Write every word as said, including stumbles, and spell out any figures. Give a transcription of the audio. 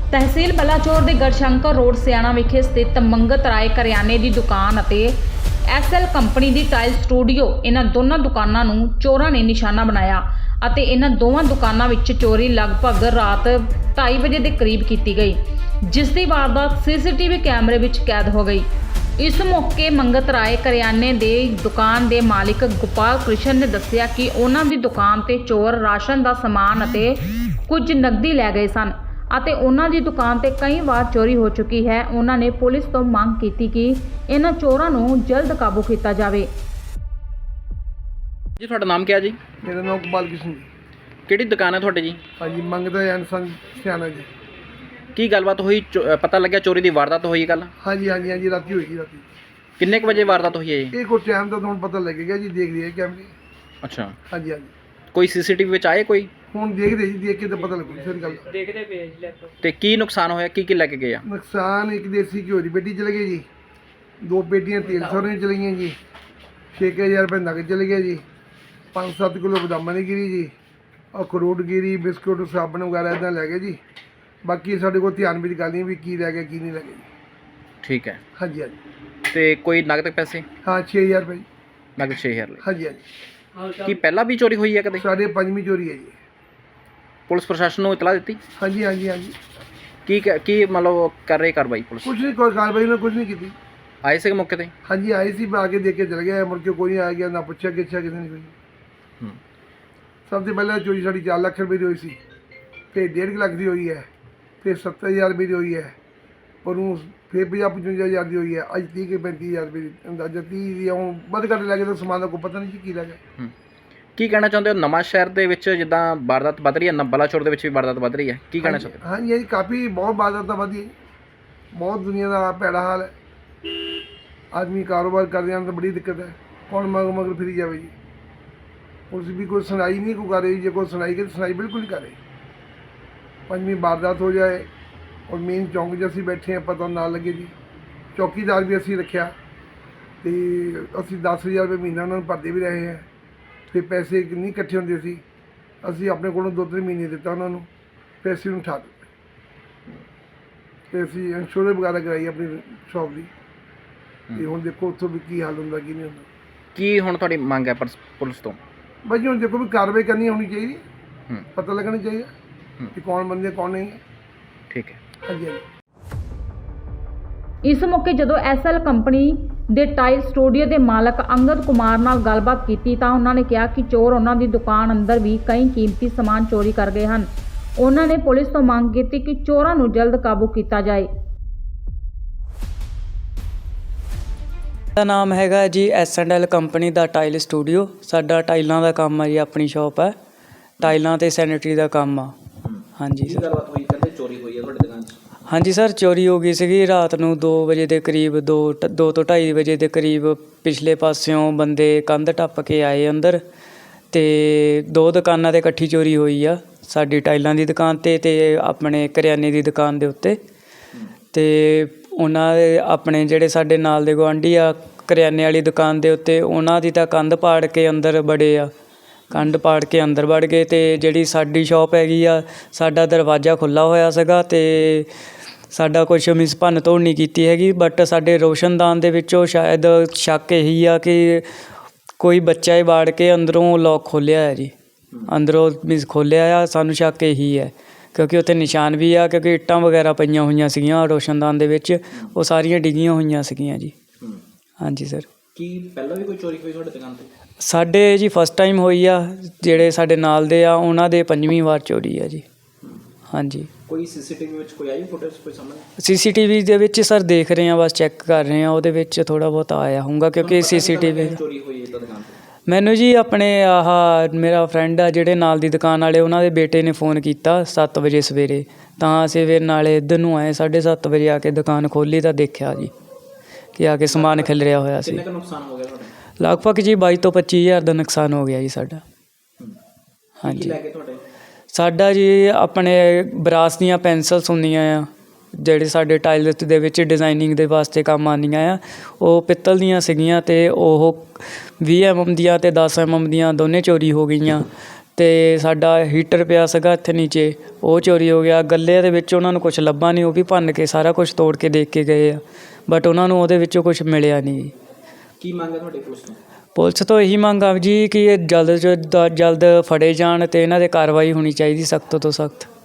तहसील बलाचौर के गढ़शंकर रोड सियाणा विखे स्थित मंगत राय करियाने की दुकान ਅਤੇ एस एल कंपनी की टाइल स्टूडियो इन्हां दोनों दुकानों ਨੂੰ ਚੋਰਾਂ ने निशाना बनाया ਅਤੇ इन्हां दोवां दुकानों ਵਿੱਚ चोरी लगभग रात ढाई बजे के करीब की गई, जिस की वारदात सीसीटीवी कैमरे ਵਿੱਚ कैद हो गई। इस मौके मंगत राय करियाने की दुकान के मालिक गोपाल कृष्ण ने दस्सिया कि उन्हां दी दुकान ते चोर राशन का समान ਅਤੇ कुछ नकदी लै गए सन ਅਤੇ ਉਹਨਾਂ ਦੀ ਦੁਕਾਨ ਤੇ ਕਈ ਵਾਰ ਚੋਰੀ ਹੋ ਚੁੱਕੀ ਹੈ। ਉਹਨਾਂ ਨੇ ਪੁਲਿਸ ਤੋਂ ਮੰਗ ਕੀਤੀ ਕਿ ਇਹਨਾਂ ਚੋਰਾਂ ਨੂੰ ਜਲਦ ਕਾਬੂ ਕੀਤਾ ਜਾਵੇ। ਜੀ ਤੁਹਾਡਾ ਨਾਮ ਕੀ ਹੈ ਜੀ? मेरा नाम गोपाल कृष्ण जी। ਕਿਹੜੀ ਦੁਕਾਨ ਹੈ ਤੁਹਾਡੀ ਜੀ? हाँ जी मंगता एंड सन सियाना जी। ਕੀ ਗੱਲਬਾਤ ਹੋਈ? ਚੋ- ਅ, ਪਤਾ ਲੱਗਿਆ ਚੋਰੀ ਦੀ ਵਾਰਦਾਤ ਹੋਈ ਕੱਲ? हाँ जी हाँ जी हाँ जी राती हुई राती ਕਿੰਨੇ ਕੁ ਵਜੇ ਵਾਰਦਾਤ ਹੋਈ ਹੈ ਜੀ? एक और टाइम का तो हम पता लगेगा जी, देख रहे कैमरे। ਅੱਛਾ, हाँ जी हाँ जी ਕੋਈ ਸੀਸੀਟੀਵੀ ਵਿੱਚ ਆਏ ਕੋਈ? ਹੁਣ ਦੇਖਦੇ ਜੀ, ਦੇਖ ਕੇ ਤਾਂ ਪਤਾ ਲੱਗੂ ਸਰ ਗੱਲ ਦਾ। ਦੇਖਦੇ ਪਏ ਜੀ ਲੈਪਟਾਪ ਤੇ ਕੀ ਨੁਕਸਾਨ ਹੋਇਆ? ਕੀ ਕੀ ਲੈ ਕੇ ਗਏ ਆ? ਨੁਕਸਾਨ ਇੱਕ ਦੇਸੀ ਘਿਓ ਦੀ ਪੇਟੀ ਚਲੇ ਗਈ ਜੀ, ਦੋ ਪੇਟੀਆਂ ਤੇਲ ਸੌਰੇ ਚਲੇ ਗਈਆਂ ਜੀ, ਛੇ ਕੁ ਹਜ਼ਾਰ ਰੁਪਏ ਨਗਦ ਚਲੇ ਗਿਆ ਜੀ, ਪੰਜ ਸੱਤ ਕਿਲੋ ਬਦਾਮਾਂ ਦੀ ਗਿਰੀ ਜੀ, ਅਖਰੋਟ ਗਿਰੀ, ਬਿਸਕੁਟ, ਸਾਬਣ ਵਗੈਰਾ ਇੱਦਾਂ ਲੈ ਗਏ ਜੀ। ਬਾਕੀ ਸਾਡੇ ਕੋਲ ਧਿਆਨ ਵਿੱਚ ਗੱਲ ਨਹੀਂ ਵੀ ਕੀ ਰਹਿ ਗਿਆ ਕੀ ਨਹੀਂ ਰਹਿ ਗਿਆ ਜੀ। ਠੀਕ ਹੈ। ਹਾਂਜੀ ਹਾਂਜੀ ਤੇ ਕੋਈ ਨਗਦ ਪੈਸੇ? ਹਾਂ ਛੇ ਹਜ਼ਾਰ ਰੁਪਏ ਜੀ। ਨਗਦ ਛੇ ਹਜ਼ਾਰ ਲਈ। ਹਾਂਜੀ ਹਾਂਜੀ ਕੀ ਪਹਿਲਾਂ ਵੀ ਚੋਰੀ ਹੋਈ ਹੈ ਕਦੇ? ਸਾਡੇ ਪੰਜਵੀਂ ਚੋਰੀ ਹੈ ਜੀ। ਪੁਲਿਸ ਪ੍ਰਸ਼ਾਸਨ ਨੂੰ ਇਤਲਾਹ ਦਿੱਤੀ? ਹਾਂਜੀ ਹਾਂਜੀ ਹਾਂਜੀ ਕੀ ਕ- ਕੀ ਮਤਲਬ ਕਰ ਰਹੀ ਕਾਰਵਾਈ ਪੁਲਿਸ? ਕੁਛ ਨਹੀਂ, ਕੋਈ ਕਾਰਵਾਈ ਨਾ ਕੁਛ ਨਹੀਂ ਕੀਤੀ। ਆਏ ਸੀ ਮੌਕੇ ਤੇ? ਹਾਂਜੀ ਆਏ ਸੀ, ਮੈਂ ਆ ਕੇ ਦੇਖ ਕੇ ਚਲ ਗਿਆ, ਮੁੜ ਕੇ ਕੋਈ ਨਹੀਂ ਆ ਗਿਆ, ਨਾ ਪੁੱਛਿਆ ਕਿੱਛਾ ਕਿਸੇ ਨੇ ਕੋਈ। ਹੂੰ। ਸਭ ਤੋਂ ਪਹਿਲਾਂ ਚੋਰੀ ਸਾਡੀ ਚਾਰ ਲੱਖ ਰੁਪਏ ਦੀ ਹੋਈ ਸੀ, ਫਿਰ ਡੇਢ ਕੁ ਲੱਖ ਦੀ ਹੋਈ ਹੈ, ਫਿਰ ਸੱਤਰ ਹਜ਼ਾਰ ਰੁਪਏ ਦੀ ਹੋਈ ਹੈ, ਪਰ ਉਹ ਫਿਰ ਪੰਜਾਹ ਪਚਵੰਜਾ ਹਜ਼ਾਰ ਦੀ ਹੋਈ ਹੈ, ਅੱਜ ਤੀਹ ਕੇ ਪੈਂਤੀ ਹਜ਼ਾਰ ਰੁਪਏ ਦੀ ਅੰਦਾਜ਼ਾ ਤੀਹ ਦੀ ਹੁਣ ਵੱਧ ਘੱਟ ਲੈ ਕੇ ਤਾਂ ਸਮਾਨ ਦਾ ਕੋਈ ਪਤਾ ਨਹੀਂ ਜੀ ਕੀ ਲੈ ਗਿਆ। ਹੂੰ। ਕੀ ਕਹਿਣਾ ਚਾਹੁੰਦੇ ਹੋ? ਨਵਾਂ ਸ਼ਹਿਰ ਦੇ ਵਿੱਚ ਜਿੱਦਾਂ ਵਾਰਦਾਤ ਵੱਧ ਰਹੀ ਹੈ, ਬਲਾਚੌਰ ਦੇ ਵਿੱਚ ਵੀ ਵਾਰਦਾਤ ਵੱਧ ਰਹੀ ਹੈ, ਕੀ ਕਹਿਣਾ ਚਾਹੁੰਦੇ ਹੋ? ਹਾਂਜੀ ਹਾਂਜੀ ਕਾਫੀ ਬਹੁਤ ਬਾਜ਼ਾਰ ਵਧੀ, ਬਹੁਤ ਦੁਨੀਆ ਦਾ ਭੈੜਾ ਹਾਲ ਹੈ। ਆਦਮੀ ਕਾਰੋਬਾਰ ਕਰਦੇ ਹਨ ਤਾਂ ਬੜੀ ਦਿੱਕਤ ਹੈ, ਕੌਣ ਮਗਰ ਮਗਰ ਫਿਰੀ ਜਾਵੇ ਜੀ। ਪੁਲਿਸ ਵੀ ਕੋਈ ਸੁਣਾਈ ਨਹੀਂ ਕੋਈ ਕਰ ਰਹੀ, ਜੇ ਕੋਈ ਸੁਣਾਈ ਕਰੇ ਸੁਣਾਈ ਬਿਲਕੁਲ ਨਹੀਂ ਕਰ ਰਹੀ। ਪੰਜਵੀਂ ਵਾਰਦਾਤ ਹੋ ਜਾਏ ਔਰ ਮੇਨ ਚੌਂਕ 'ਚ ਅਸੀਂ ਬੈਠੇ ਹਾਂ, ਪਤਾ ਨਾ ਲੱਗੇ ਜੀ। ਚੌਕੀਦਾਰ ਵੀ ਅਸੀਂ ਰੱਖਿਆ ਅਤੇ ਅਸੀਂ ਦਸ ਹਜ਼ਾਰ ਰੁਪਏ ਮਹੀਨਾ ਉਹਨਾਂ ਨੂੰ ਭਰਦੇ ਵੀ ਰਹੇ ਹਾਂ। ਫਿਰ ਪੈਸੇ ਨਹੀਂ ਇਕੱਠੇ ਹੁੰਦੇ ਸੀ, ਅਸੀਂ ਆਪਣੇ ਕੋਲੋਂ ਦੋ ਤਿੰਨ ਮਹੀਨੇ ਦਿੱਤਾ ਉਹਨਾਂ ਨੂੰ, ਪੈਸੇ ਨੂੰ ਉਠਾ ਦਿੱਤੇ। ਅਤੇ ਅਸੀਂ ਇੰਸ਼ੋਰੈਂਸ ਵਗੈਰਾ ਕਰਾਈ ਆਪਣੀ ਸ਼ੌਪ ਦੀ, ਅਤੇ ਹੁਣ ਦੇਖੋ ਉੱਥੋਂ ਵੀ ਕੀ ਹਾਲ ਹੁੰਦਾ ਕੀ ਨਹੀਂ ਹੁੰਦਾ। ਕੀ ਹੁਣ ਤੁਹਾਡੀ ਮੰਗ ਹੈ ਪਰਸ- ਪੁਲਿਸ ਤੋਂ? ਬਾਈ ਜੀ ਹੁਣ ਦੇਖੋ ਵੀ ਕਾਰਵਾਈ ਕਰਨੀ ਹੋਣੀ ਚਾਹੀਦੀ, ਹੂੰ। ਪਤਾ ਲੱਗਣਾ ਚਾਹੀਦਾ ਕਿ ਕੌਣ ਬੰਦੇ ਕੌਣ ਨਹੀਂ ਹੈ। ਠੀਕ ਹੈ। ਹਾਂਜੀ ਹਾਂਜੀ इस मौके जदों एस एल कंपनी ਦੇ ਟਾਈਲ ਸਟੂਡੀਓ ਦੇ ਮਾਲਕ ਅੰਗਦ ਕੁਮਾਰ ਨਾਲ ਗੱਲਬਾਤ ਕੀਤੀ ਤਾਂ ਉਹਨਾਂ ਨੇ ਕਿਹਾ ਕਿ ਚੋਰ ਉਹਨਾਂ ਦੀ ਦੁਕਾਨ ਅੰਦਰ ਵੀ ਕਈ ਕੀਮਤੀ ਸਮਾਨ ਚੋਰੀ ਕਰ ਗਏ ਹਨ। ਉਹਨਾਂ ਨੇ ਪੁਲਿਸ ਤੋਂ ਮੰਗ ਕੀਤੀ ਕਿ ਚੋਰਾਂ ਨੂੰ ਜਲਦ ਕਾਬੂ ਕੀਤਾ ਜਾਏ। ਦਾ ਨਾਮ ਹੈਗਾ ਜੀ ਐਸ ਐਂਡ ਐਲ ਕੰਪਨੀ ਦਾ ਟਾਈਲ ਸਟੂਡੀਓ। ਸਾਡਾ ਟਾਈਲਾਂ ਦਾ ਕੰਮ ਹੈ ਜੀ, ਆਪਣੀ ਸ਼ਾਪ ਹੈ, ਟਾਈਲਾਂ ਤੇ ਸੈਨੀਟਰੀ ਦਾ ਕੰਮ ਆ। ਹਾਂਜੀ ਸਰ। ਗੱਲਬਾਤ ਹੋਈ? ਕਹਿੰਦੇ ਚੋਰੀ ਹੋਈ ਹੈ ਤੁਹਾਡੀ ਦੁਕਾਨ 'ਚ? ਹਾਂਜੀ ਸਰ, ਚੋਰੀ ਹੋ ਗਈ ਸੀਗੀ ਰਾਤ ਨੂੰ ਦੋ ਵਜੇ ਦੇ ਕਰੀਬ, ਦੋ ਟ- ਦੋ ਤੋਂ ਢਾਈ ਵਜੇ ਦੇ ਕਰੀਬ। ਪਿਛਲੇ ਪਾਸਿਓਂ ਬੰਦੇ ਕੰਧ ਟੱਪ ਕੇ ਆਏ ਅੰਦਰ, ਅਤੇ ਦੋ ਦੁਕਾਨਾਂ 'ਤੇ ਇਕੱਠੀ ਚੋਰੀ ਹੋਈ ਆ, ਸਾਡੀ ਟਾਈਲਾਂ ਦੀ ਦੁਕਾਨ 'ਤੇ ਅਤੇ ਆਪਣੇ ਕਰਿਆਨੇ ਦੀ ਦੁਕਾਨ ਦੇ ਉੱਤੇ। ਅਤੇ ਉਹਨਾਂ ਦੇ ਆਪਣੇ ਜਿਹੜੇ ਸਾਡੇ ਨਾਲ ਦੇ ਗੁਆਂਢੀ ਆ ਕਰਿਆਨੇ ਵਾਲੀ ਦੁਕਾਨ ਦੇ ਉੱਤੇ, ਉਹਨਾਂ ਦੀ ਤਾਂ ਕੰਧ ਪਾੜ ਕੇ ਅੰਦਰ ਵੜੇ ਆ, ਕੰਧ ਪਾੜ ਕੇ ਅੰਦਰ ਵੜ ਗਏ। ਅਤੇ ਜਿਹੜੀ ਸਾਡੀ ਸ਼ੌਪ ਹੈਗੀ ਆ, ਸਾਡਾ ਦਰਵਾਜ਼ਾ ਖੁੱਲ੍ਹਾ ਹੋਇਆ ਸੀਗਾ ਅਤੇ ਸਾਡਾ ਕੁਛ ਮਿਸ ਭੰਨ ਤੋੜ ਨਹੀਂ ਕੀਤੀ ਹੈਗੀ, ਬਟ ਸਾਡੇ ਰੋਸ਼ਨਦਾਨ ਦੇ ਵਿੱਚੋਂ ਸ਼ਾਇਦ ਸ਼ੱਕ ਇਹੀ ਆ ਕਿ ਕੋਈ ਬੱਚਾ ਹੀ ਵਾੜ ਕੇ ਅੰਦਰੋਂ ਲੋਕ ਖੋਲ੍ਹਿਆ ਹੈ ਜੀ, ਅੰਦਰੋਂ ਮਿਸ ਖੋਲ੍ਹਿਆ ਆ। ਸਾਨੂੰ ਸ਼ੱਕ ਇਹੀ ਹੈ ਕਿਉਂਕਿ ਉੱਥੇ ਨਿਸ਼ਾਨ ਵੀ ਆ, ਕਿਉਂਕਿ ਇੱਟਾਂ ਵਗੈਰਾ ਪਈਆਂ ਹੋਈਆਂ ਸੀਗੀਆਂ ਰੋਸ਼ਨਦਾਨ ਦੇ ਵਿੱਚ, ਉਹ ਸਾਰੀਆਂ ਡਿੱਗੀਆਂ ਹੋਈਆਂ ਸੀਗੀਆਂ ਜੀ। ਹਾਂਜੀ ਸਰ। ਕੀ ਪਹਿਲਾਂ ਵੀ ਕੋਈ ਚੋਰੀ ਹੋਈ ਤੁਹਾਡੀ ਦੁਕਾਨ 'ਤੇ? ਸਾਡੇ ਜੀ ਫਸਟ ਟਾਈਮ ਹੋਈ ਆ, ਜਿਹੜੇ ਸਾਡੇ ਨਾਲ ਦੇ ਆ ਉਹਨਾਂ ਦੇ ਪੰਜਵੀਂ ਵਾਰ ਚੋਰੀ ਆ ਜੀ। ਹਾਂਜੀ। ਕੋਈ ਸੀਸੀਟੀਵੀ ਵਿੱਚ ਕੋਈ ਆਈ ਫੁਟੇਜ ਕੋਈ ਸਾਹਮਣੇ? ਸੀ ਸੀ ਟੀ ਵੀ ਦੇ ਵਿੱਚ ਸਰ ਦੇਖ ਰਹੇ ਹਾਂ, ਬਸ ਚੈੱਕ ਕਰ ਰਹੇ ਹਾਂ, ਉਹਦੇ ਵਿੱਚ ਥੋੜ੍ਹਾ ਬਹੁਤ ਆਇਆ ਹੋਊਗਾ ਕਿਉਂਕਿ ਸੀ ਸੀ ਟੀ ਵੀ। ਚੋਰੀ ਹੋਈ ਹੈ ਤਾਂ ਦੁਕਾਨ 'ਤੇ? ਮੈਨੂੰ ਜੀ ਆਪਣੇ ਆਹ ਮੇਰਾ ਫਰੈਂਡ ਆ ਜਿਹੜੇ ਨਾਲ ਦੀ ਦੁਕਾਨ ਵਾਲੇ, ਉਹਨਾਂ ਦੇ ਬੇਟੇ ਨੇ ਫ਼ੋਨ ਕੀਤਾ ਸੱਤ ਵਜੇ ਸਵੇਰੇ, ਤਾਂ ਅਸੀਂ ਫਿਰ ਨਾਲੇ ਇੱਧਰ ਨੂੰ ਆਏ, ਸਾਢੇ ਸੱਤ ਵਜੇ ਆ ਕੇ ਦੁਕਾਨ ਖੋਲ੍ਹੀ ਤਾਂ ਦੇਖਿਆ ਜੀ ਕਿ ਆ ਕੇ ਸਮਾਨ ਖਿਲਰਿਆ ਹੋਇਆ ਸੀ। ਕਿੰਨਾ ਕੁ ਨੁਕਸਾਨ ਹੋ ਗਿਆ ਤੁਹਾਡਾ? ਲਗਭਗ ਜੀ ਬਾਈ ਤੋਂ ਪੱਚੀ ਹਜ਼ਾਰ ਦਾ ਨੁਕਸਾਨ ਹੋ ਗਿਆ ਜੀ ਸਾਡਾ। ਹਾਂਜੀ। ਲੈ ਕੇ ਤੁਹਾਡੇ? ਸਾਡਾ ਜੀ ਆਪਣੇ ਬਰਾਸ ਦੀਆਂ ਪੈਨਸਲਸ ਹੁੰਦੀਆਂ ਆ, ਜਿਹੜੇ ਸਾਡੇ ਟਾਇਲਟ ਦੇ ਵਿੱਚ ਡਿਜ਼ਾਈਨਿੰਗ ਦੇ ਵਾਸਤੇ ਕੰਮ ਆਉਂਦੀਆਂ ਆ, ਉਹ ਪਿੱਤਲ ਦੀਆਂ ਸੀਗੀਆਂ ਅਤੇ ਉਹ ਵੀਹ ਐਮ ਐਮ ਦੀਆਂ ਅਤੇ ਦਸ ਐਮ ਐਮ ਦੀਆਂ ਦੋਨੇ ਚੋਰੀ ਹੋ ਗਈਆਂ। ਤੇ ਸਾਡਾ ਹੀਟਰ ਪਿਆ ਸੀਗਾ ਇੱਥੇ ਨੀਚੇ, ਉਹ ਚੋਰੀ ਹੋ ਗਿਆ। ਗੱਲੇ ਦੇ ਵਿੱਚ ਉਹਨਾਂ ਨੂੰ ਕੁਝ ਲੱਭਾ ਨਹੀਂ, ਉਹ ਵੀ ਭੰਨ ਕੇ ਸਾਰਾ ਕੁਝ ਤੋੜ ਕੇ ਦੇਖ ਕੇ ਗਏ ਆ, ਬਟ ਉਹਨਾਂ ਨੂੰ ਉਹਦੇ ਵਿੱਚੋਂ ਕੁਝ ਮਿਲਿਆ ਨਹੀਂ। ਕੀ ਮੰਗ ਹੈ ਤੁਹਾਡੀ ਪੁਲਿਸ ਤੋਂ? ਪੁਲਿਸ ਤੋਂ ਇਹੀ ਮੰਗ ਆ ਜੀ ਕਿ ਇਹ ਜਲਦ ਤੋਂ ਜਲਦ ਫੜੇ ਜਾਣ ਅਤੇ ਇਹਨਾਂ 'ਤੇ ਕਾਰਵਾਈ ਹੋਣੀ ਚਾਹੀਦੀ, ਸਖਤ ਤੋਂ ਸਖਤ।